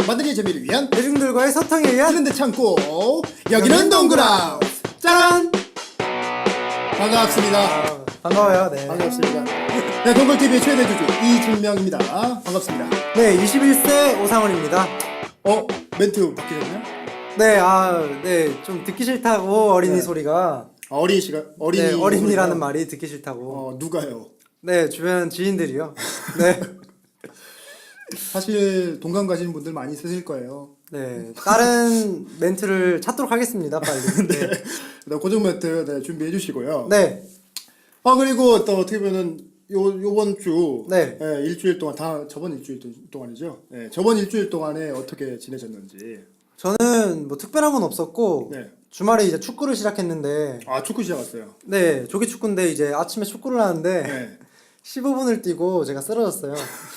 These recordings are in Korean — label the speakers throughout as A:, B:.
A: 만들기의 재미를 위한
B: 대중들과의 소통에 의한
A: 트렌드 창고 여기는 동그라 짠! 반갑습니다.
B: 반가워요. 네.
A: 반갑습니다. 네, 동글TV의 최대 주주 이진명입니다. 반갑습니다.
B: 네, 21세 오상훈입니다.
A: 멘트 바뀌셨나요?
B: 네, 좀 듣기 싫다고 어린이
A: 네.
B: 소리가.
A: 어린이 시간
B: 네, 어린이라는
A: 소리가?
B: 말이 듣기 싫다고.
A: 누가요?
B: 네, 주변 지인들이요. 네.
A: 사실 동감 가시는 분들 많이 있으실 거예요.
B: 네, 다른 멘트를 찾도록 하겠습니다, 빨리. 네.
A: 고정 멘트 준비해 주시고요.
B: 네.
A: 그리고 또 어떻게 보면은 요번 주
B: 네.
A: 일주일 동안 저번 일주일 동안이죠. 저번 일주일 동안에 어떻게 지내셨는지.
B: 저는 뭐 특별한 건 없었고
A: 네.
B: 주말에 이제 축구를 시작했는데
A: 축구 시작했어요.
B: 네, 조기 축구인데 이제 아침에 축구를 하는데
A: 네.
B: 15분을 뛰고 제가 쓰러졌어요.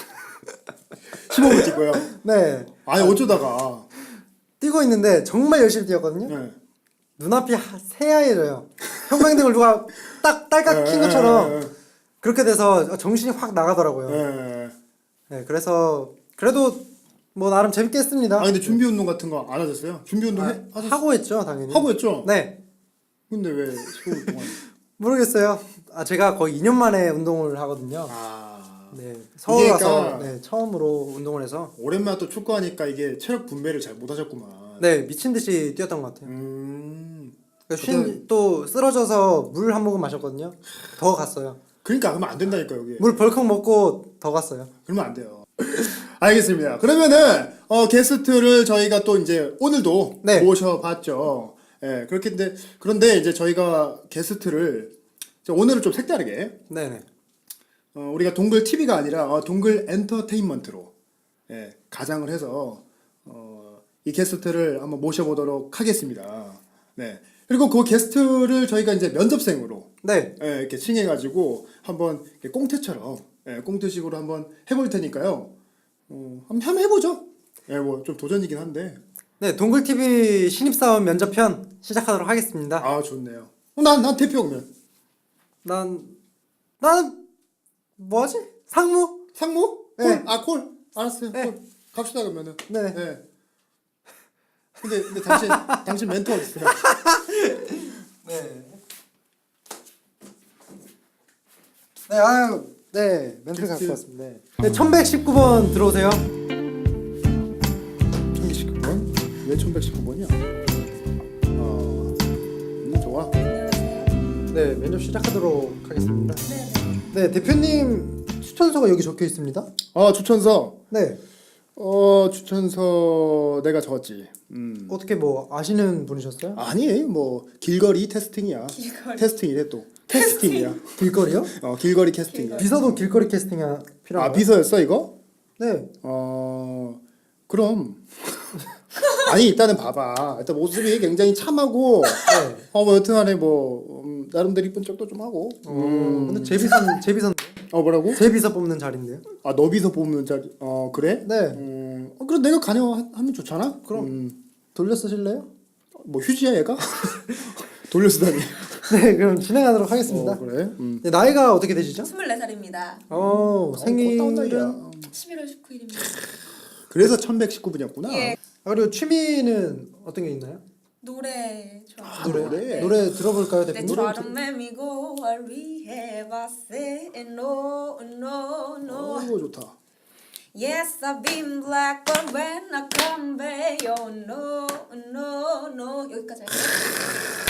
A: 15분 뛰고요.
B: 네.
A: 어쩌다가.
B: 뛰고 있는데 정말 열심히 뛰었거든요.
A: 네.
B: 눈앞이 새하얘져요. 형광등을 누가 딱 딸깍 킨 것처럼 그렇게 돼서 정신이 확 나가더라고요.
A: 네.
B: 네, 그래서 그래도 뭐 나름 재밌게 했습니다.
A: 근데 준비 운동 같은 거 안 하셨어요? 준비 운동
B: 하고 했죠, 당연히.
A: 하고 했죠?
B: 네.
A: 근데 왜 15분 동안?
B: 모르겠어요. 제가 거의 2년 만에 운동을 하거든요. 네, 서울
A: 이게
B: 와서
A: 그러니까
B: 처음으로 운동을 해서.
A: 오랜만에 또 축구하니까 이게 체력 분배를 잘 못하셨구만.
B: 네, 미친 듯이 뛰었던 것 같아요.
A: 그때...
B: 또 쓰러져서 물 한 모금 마셨거든요. 더 갔어요.
A: 그러니까 그러면 안 된다니까 여기.
B: 물 벌컥 먹고 더 갔어요.
A: 그러면 안 돼요. 알겠습니다. 그러면은 게스트를 저희가 또 이제 오늘도
B: 네.
A: 모셔봤죠. 그런데 이제 저희가 게스트를 오늘은 좀 색다르게
B: 네네.
A: 우리가 동글 TV가 아니라 동글 엔터테인먼트로 가장을 해서 이 게스트를 한번 모셔보도록 하겠습니다. 네. 그리고 그 게스트를 저희가 이제 면접생으로
B: 네.
A: 이렇게 칭해가지고 한번 이렇게 꽁트처럼 꽁트식으로 한번 해볼 테니까요. 한번 해보죠. 뭐 좀 도전이긴 한데.
B: 네, 동글TV 신입사원 면접편 시작하도록 하겠습니다.
A: 좋네요. 난 대표 그러면.
B: 나는 뭐하지? 상무?
A: 상무?
B: 네.
A: 콜? 콜? 알았어요.
B: 네.
A: 콜. 갑시다 그러면은.
B: 네.
A: 근데 당신 멘토 어딨어요?
B: 네. 네, 멘트를 갖고 왔습니다. 네, 1119번 들어오세요.
A: 1119번? 왜 1119번이야? 좋아.
B: 네, 면접 시작하도록 하겠습니다. 네, 대표님 추천서가 여기 적혀 있습니다.
A: 추천서.
B: 네.
A: 추천서 내가 적었지.
B: 어떻게 뭐 아시는 분이셨어요?
A: 아니, 뭐 길거리 테스팅이야. 테스팅이래 또. 캐스팅이야.
B: 길거리요?
A: 길거리 캐스팅이야.
B: 비서도 길거리 캐스팅이 필요한가요?
A: 비서였어 이거?
B: 네.
A: 그럼. 아니 일단은 봐봐. 일단 모습이 굉장히 참하고.
B: 네.
A: 뭐 여튼간에 뭐 나름대로 이쁜 척도 좀 하고.
B: 근데 제비선
A: 뭐라고?
B: 제비서 뽑는 자리인데요.
A: 너비서 뽑는 자리. 그래?
B: 네.
A: 그럼 내가 관여하면 좋잖아.
B: 그럼 돌려 쓰실래요?
A: 뭐 휴지야 얘가? 돌려 쓰다니.
B: 네, 그럼 진행하도록 하겠습니다.
A: 그래.
B: 네, 나이가 어떻게 되시죠?
C: 24살입니다.
B: 생일은
C: 11월 19일입니다.
A: 그래서 1119분이었구나.
C: 예.
B: 그리고 취미는 어떤 게 있나요?
C: 노래 좋아합니다.
A: 노래?
B: 노래 들어볼까요,
C: 내
B: 대표님?
C: 처럼 매미고 위해봤세 no no no
A: 좋다.
C: Yes I've been black but when I come back oh no no no 여기까지 할게요.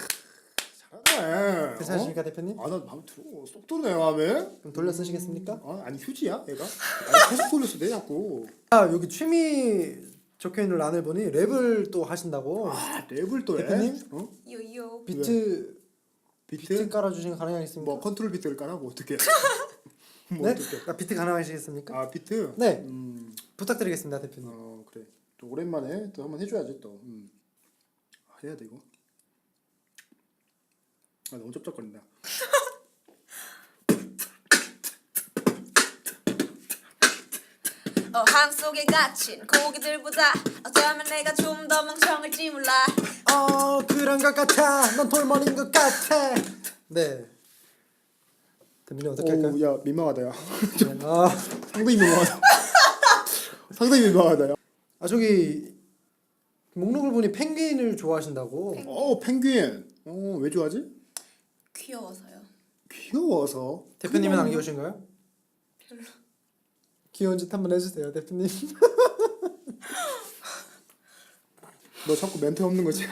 A: 잘하네.
B: 괜찮으십니까, 대표님?
A: 나 마음에 들어. 쏙 들어네 마음에.
B: 그럼 돌려 쓰시겠습니까?
A: 아니 휴지야 얘가? 계속 돌렸어 내 자꾸.
B: 여기 취미 적혀있는 란을 보니 랩을 또 하신다고.
A: 랩을 또 해?
B: 대표님?
C: 요요
B: 비트 깔아주시면 가능하겠습니까?
A: 뭐 컨트롤 비트를 깔아고 어떻게?
B: 네? 비트 가능하시겠습니까?
A: 비트?
B: 네. 부탁드리겠습니다, 대표님.
A: 그래. 또 오랜만에 또 한번 해줘야지 또. 해야 돼 이거. 너무 쩝쩝거린다.
C: 어항 속에 갇힌 고기들보다 어쩌면 내가 좀 더 멍청할지 몰라.
B: 그런 것 같아. 넌 돌머리인 것 같아. 네. 대표님 어떻게 할까요?
A: 야 민망하다 야.
B: 네,
A: 상당히 민망하다. 상당히 민망하다 야.
B: 아 저기 목록을 보니 펭귄을 좋아하신다고.
A: 펭귄. 왜 좋아하지?
C: 귀여워서요.
A: 귀여워서.
B: 대표님은 안 귀여우신가요?
C: 별로.
B: 귀여운 짓 한번 해주세요, 대표님.
A: 너 자꾸 멘트 없는 거지?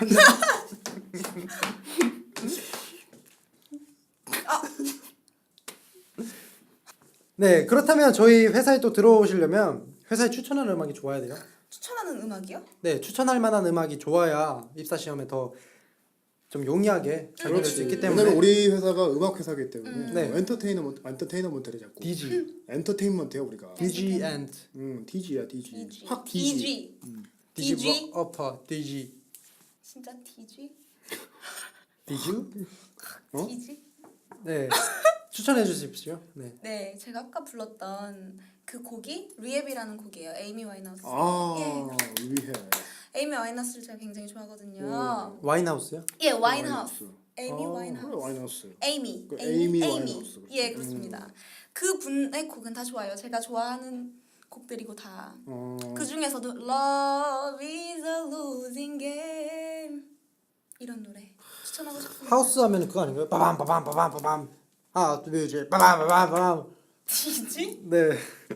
B: 네, 그렇다면 저희 회사에 또 들어오시려면 회사에 추천하는 음악이 좋아야 돼요.
C: 추천하는 음악이요?
B: 네, 추천할 만한 음악이 좋아야 입사 시험에 더 좀 용이하게 잘 보낼 수 있기 때문에.
A: 왜냐면 우리 회사가 음악 회사기 때문에
B: 네.
A: 엔터테인먼트를 자꾸.
B: DG,
A: 엔터테인먼트야 우리가.
B: DG and
A: DG야 DG.
C: DG.
A: 확 DG.
B: DG
C: DG?
B: upper DG.
C: 진짜 DG?
B: DG?
A: 어?
C: DG?
B: 네, 추천해 주십시오. 네.
C: 네, 제가 아까 불렀던 그 곡이 리앱이라는 곡이에요. 에이미 와인하우스.
A: 위해.
C: 에이미 와인하우스를 제가 굉장히 좋아하거든요.
B: 와인하우스요?
C: 예, 와인하우스. 에이미
B: 어,
C: 와인하우스.
A: 그래 와인하우스.
C: 에이미.
A: 그 에이미 와인하우스, 그렇지.
C: 예, 그렇습니다. 그 분의 곡은 다 좋아요. 제가 좋아하는 곡들이고 다. 그 중에서도 Love is a losing game 이런 노래 추천하고 싶습니다.
B: 하우스 하면 그거 아닌가요? 빠밤 빠밤 빠밤 빠밤. 하나 둘셋 빠밤 빠밤 빠밤.
C: DG?
B: 네.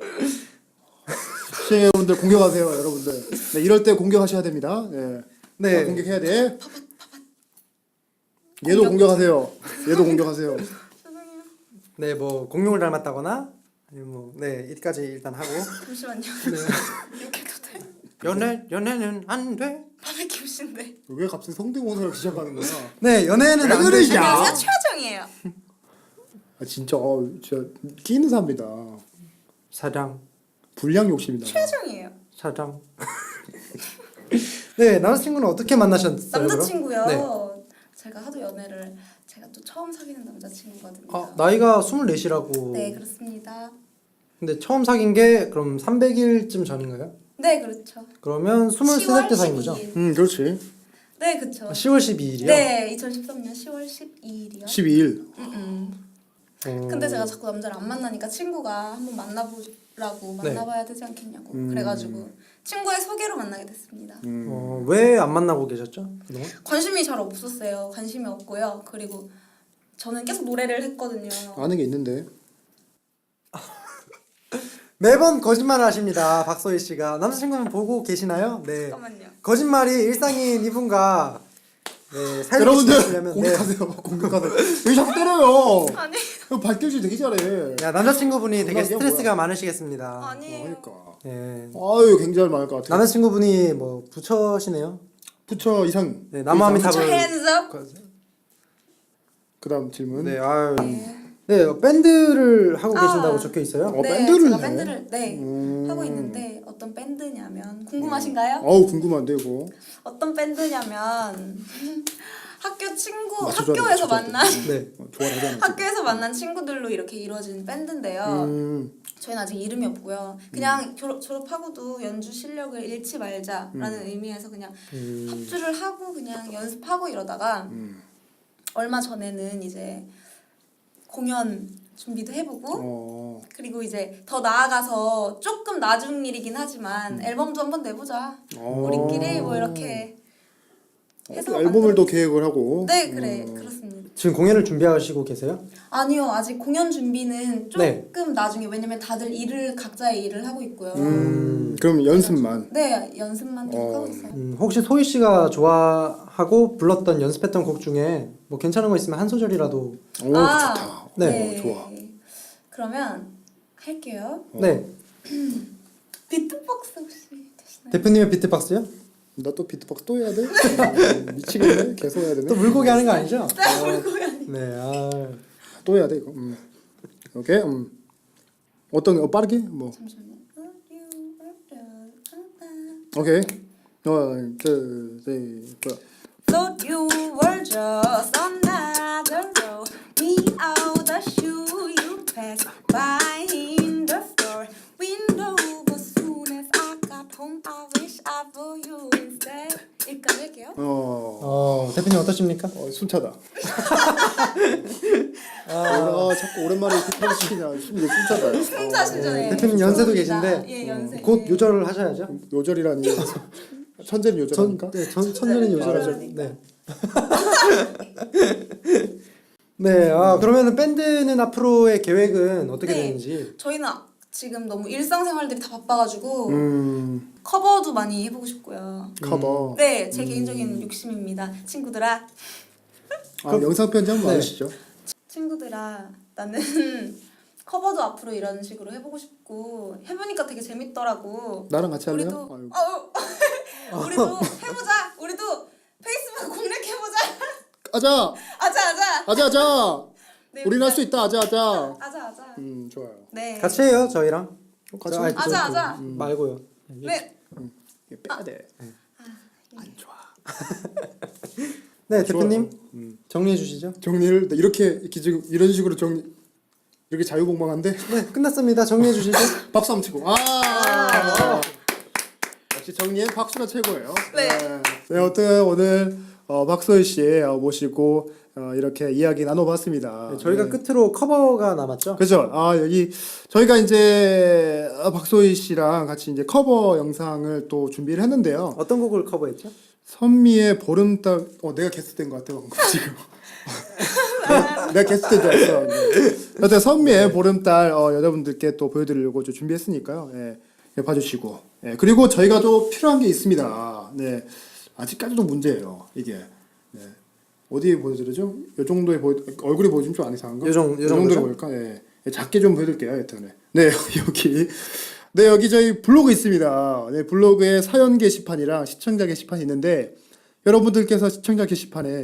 A: 시청자분들 공격하세요, 여러분들. 네, 이럴 때 공격하셔야 됩니다. 네.
B: 네.
A: 다 공격해야 돼. 얘도 공격하세요. 얘도 공격하세요.
C: 죄송해요.
B: 네, 뭐 공룡을 닮았다거나 아니면 뭐 네, 이까지 일단 하고.
C: 잠시만요.
B: 네.
C: 욕해도 돼?
B: 연애는 안 돼.
C: 밤에 키우신데.
A: 왜 갑자기 성대모사를 시작하는 거야?
B: 네, 연애는
A: 왜
B: 안
A: 그래,
B: 돼.
A: 야?
C: 안녕하세요, 최하정이에요.
A: 진짜 진짜 끼는 사람이다.
B: 사랑,
A: 불량 욕심이다.
C: 최하정이에요.
B: 사랑. 네, 남자친구는 어떻게 만나셨어요?
C: 남자친구요.
B: 그럼?
C: 제가 하도 연애를 제가 또 처음 사귀는 남자친구거든요.
B: 아, 나이가 24시라고.
C: 네, 그렇습니다.
B: 근데 처음 사귄 게 그럼 300일쯤 전인가요?
C: 네, 그렇죠.
B: 그러면 23살 때 사귄 거죠?
C: 12일.
A: 그렇지.
C: 네, 그렇죠.
B: 10월 12일이요?
C: 네, 2013년 10월 12일이요.
A: 12일.
C: 근데 제가 자꾸 남자를 안 만나니까 친구가 한번 만나보라고
B: 네.
C: 만나봐야 되지 않겠냐고 그래가지고 친구의 소개로 만나게 됐습니다.
B: 왜 안 만나고 계셨죠? 그동안?
C: 관심이 잘 없었어요. 관심이 없고요. 그리고 저는 계속 노래를 했거든요.
A: 아는 게 있는데.
B: 매번 거짓말을 하십니다. 박소희 씨가. 남자친구는 보고 계시나요? 네.
C: 잠깐만요.
B: 거짓말이 일상인 이분과 네, 살고
A: 여러분들
B: 싶으시려면
A: 공격하세요. 공격하세요. 왜 자꾸 때려요?
C: 아니
A: 발길질 되게 잘해.
B: 네. 야, 남자친구분이 되게
A: 이게
B: 스트레스가
A: 뭐야?
B: 많으시겠습니다.
C: 아니에요.
A: 그러니까.
B: 네.
A: 아유 굉장히 많을 것 같아.
B: 남자친구분이 뭐 부처시네요.
A: 부처 이상.
B: 네, 나무아미
C: Put
B: 탑을
C: your hands up.
A: 그다음 질문.
B: 네, 아유. 네, 밴드를 하고 계신다고 적혀 있어요.
A: 어,
C: 네,
A: 밴드를
C: 제가
A: 해?
C: 밴드를 하고 있는데 어떤 밴드냐면 궁금하신가요?
A: 어우 궁금한데 이거.
C: 어떤 밴드냐면 학교 친구
A: 맞춰줘야 돼,
C: 학교에서
A: 맞춰줘야 돼.
C: 만난
B: 네.
A: 좋아하잖아.
C: 학교에서 만난 친구들로 이렇게 이루어진 밴드인데요. 저희는 아직 이름이 없고요. 그냥 졸업하고도 연주 실력을 잃지 말자라는 의미에서 그냥 합주를 하고 그냥 연습하고 이러다가 얼마 전에는 이제 공연 준비도 해보고 그리고 이제 더 나아가서 조금 나중 일이긴 하지만 앨범도 한번 내보자. 우리끼리 뭐 이렇게 해서
A: 앨범을 또 계획을 하고.
C: 네, 그래 그렇습니다.
B: 지금 공연을 준비하시고 계세요?
C: 아니요, 아직 공연 준비는 조금
B: 네.
C: 나중에 왜냐면 다들 각자의 일을 하고 있고요.
A: 그럼 연습만.
C: 네, 연습만 좀 하고 있어요.
B: 혹시 소희 씨가 좋아하고 불렀던 연습했던 곡 중에 뭐 괜찮은 거 있으면 한 소절이라도.
A: 오 좋다.
B: 네.
A: 좋아.
C: 그러면 할게요.
B: 네.
C: 비트박스 혹시 되시나요?
B: 대표님의 비트박스요?
A: 나 또 비트박스 또 해야 돼? 미치겠네. 계속 해야 되네.
B: 또 물고기 하는 거 아니죠?
C: 네, 물고기 아니.
B: 네. 아.
A: 또 해야 돼 이거. 오케이. 어떤 빠르게 뭐.
C: 잠시만요.
A: 오케이. 둘, 셋, 뭐야?
C: Thought you were just another road without a shoe you passed by in the store window. But soon as I got home, I wish I were you instead. 여기까지 할게요.
B: 대표님 어떠십니까?
A: 숨차다. 자꾸 오랜만에 기타를 시키냐. 심지어 춤춰봐요.
C: 진짜 신전에.
B: 대표님 연세도
C: 좋습니다.
B: 계신데
C: 예, 연세.
B: 곧 요절을 하셔야죠.
A: 요절이라니. 천재는 요절하니까.
B: 천년은 요절하죠.
C: 요절하니까.
B: 네. 네, 그러면은 밴드는 앞으로의 계획은 어떻게
C: 네.
B: 되는지.
C: 저희는 지금 너무 일상생활들이 다 바빠가지고
A: 음.
C: 커버도 많이 해보고 싶고요.
A: 커버.
C: 네, 제 개인적인 욕심입니다. 친구들아,
A: 영상 편지 한번
B: 네.
A: 해주시죠.
C: 친구들아, 나는 커버도 앞으로 이런 식으로 해보고 싶고 해보니까 되게 재밌더라고.
A: 나랑 같이 할래요?
C: 우리도
A: 아유.
C: 우리도 해보자. 우리도 페이스북 공략해보자.
A: 아자.
C: 아자.
A: 아자.
C: 네,
A: 우리는 할 수 있다. 아자.
C: 아자.
A: 좋아요.
C: 네.
B: 같이 해요, 저희랑.
A: 같이.
B: 아니,
C: 아자.
B: 말고요.
C: 네.
A: 이게 빼야 돼. 안 좋아.
B: 네, 대표님
A: 좋아요.
B: 정리해 주시죠.
A: 정리를 이렇게 지금 이런 식으로 이렇게 자유공방한데
B: 네, 끝났습니다. 정리해 주시죠.
A: 박수 한번 치고. 역시 정리엔 박수가 최고예요.
C: 네.
A: 네, 어떤 오늘 박소희 씨 모시고 이렇게 이야기 나눠봤습니다.
B: 네, 저희가
A: 네.
B: 끝으로 커버가 남았죠.
A: 그죠. 여기 저희가 이제 박소희 씨랑 같이 이제 커버 영상을 또 준비를 했는데요.
B: 어떤 곡을 커버했죠?
A: 선미의 보름달. 내가 게스트된 것 같아 방금 지금. 내가 게스트된 줄 알았어. 여튼 선미의 보름달 여러분들께 또 보여드리려고 좀 준비했으니까요. 예, 봐주시고. 예, 그리고 저희가 또 필요한 게 있습니다. 네, 아직까지도 문제예요. 이게. 네. 어디에 보여드리죠? 요 정도에 얼굴이 보여주면 좀 안 이상한가?
B: 요 정도죠?
A: 정도로 보일까? 예. 작게 좀 보여드릴게요. 여튼. 네, 여기. 네, 여기 저희 블로그 있습니다. 네, 블로그에 사연 게시판이랑 시청자 게시판이 있는데 여러분들께서 시청자 게시판에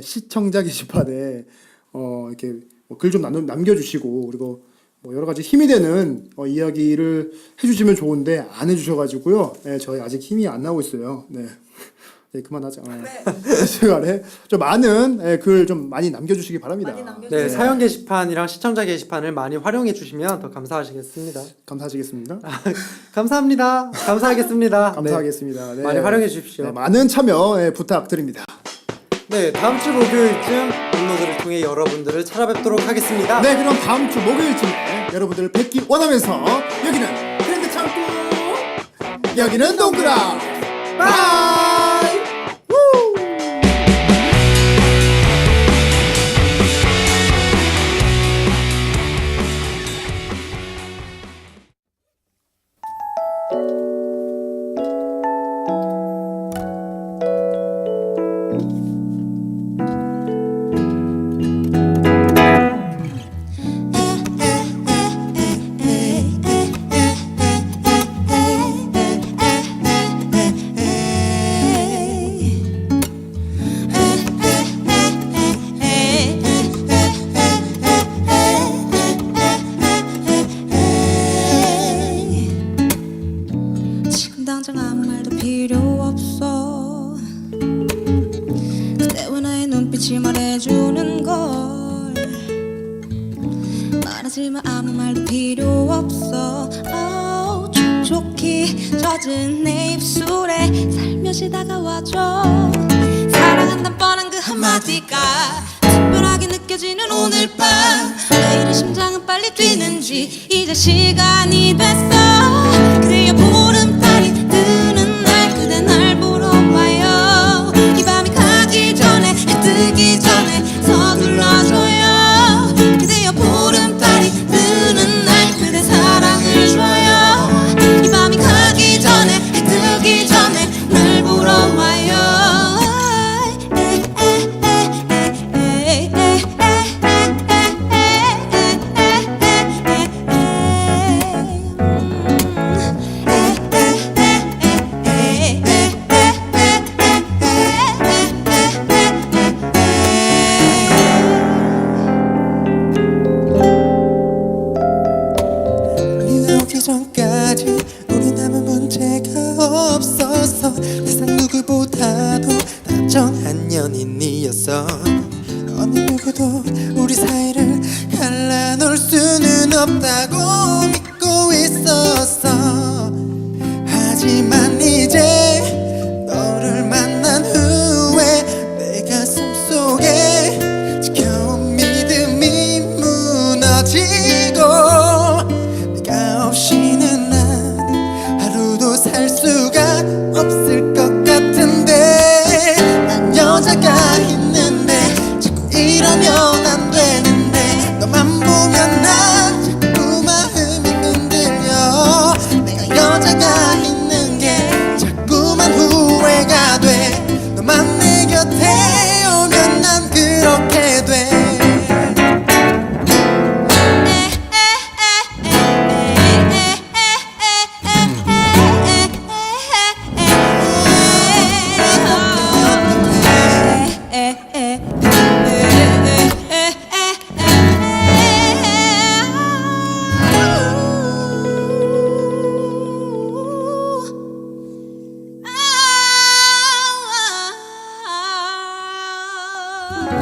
A: 이렇게 글 좀 남겨주시고 그리고 뭐 여러 가지 힘이 되는 이야기를 해주시면 좋은데 안 해주셔가지고요. 네, 저희 아직 힘이 안 나오고 있어요. 네. 네, 그만하자.
C: 네.
A: 시간에 좀 많은 글 좀 많이 남겨주시기 바랍니다.
C: 많이 남겨주세요.
B: 네, 사연 게시판이랑 시청자 게시판을 많이 활용해 주시면 더 감사하시겠습니다.
A: 감사하시겠습니다.
B: 감사합니다. 감사하겠습니다.
A: 감사하겠습니다. 네.
B: 많이 활용해 주십시오.
A: 네, 많은 참여 부탁드립니다.
B: 네, 다음 주 목요일쯤 블로그를 통해 여러분들을 찾아뵙도록 하겠습니다.
A: 네, 그럼 다음 주 목요일쯤에 여러분들을 뵙기 원하면서 여기는 트렌드 창고, 여기는 동그라 바이.
C: 지금 당장 아무 말도 필요 없어. 그대와 나의 눈빛이 말해주는 걸. 말하지만 아무 말도 필요 없어. 촉촉히 젖은 내 입술에 살며시 다가와줘. 사랑한단 뻔한 그 한마디가 특별하게 느껴지는 오늘 밤. 왜 이리 심장은 빨리 뛰는지 이제 시간이 됐어. 그대여 보름달이 뜨는 날 그대 날 보러 와요. 이 밤이 가기 전에 해 뜨기 전에 서둘러줘요. 그대여 보름달이 뜨는 날 그대 사랑을 줘요. 이 밤이 가기 전에 해 뜨기 전에 날 보러 와요.
D: 우리 나오기 전까지 우리 남은 문제가 없었어. 세상 누구보다도 다정한 연인이었어. 어느 누구도 우리 사이를 갈라놓을 수는 없다고 믿고 있었어. 하지만 이제 너를 만난 후에 내 가슴 속에 지켜온 믿음
C: 나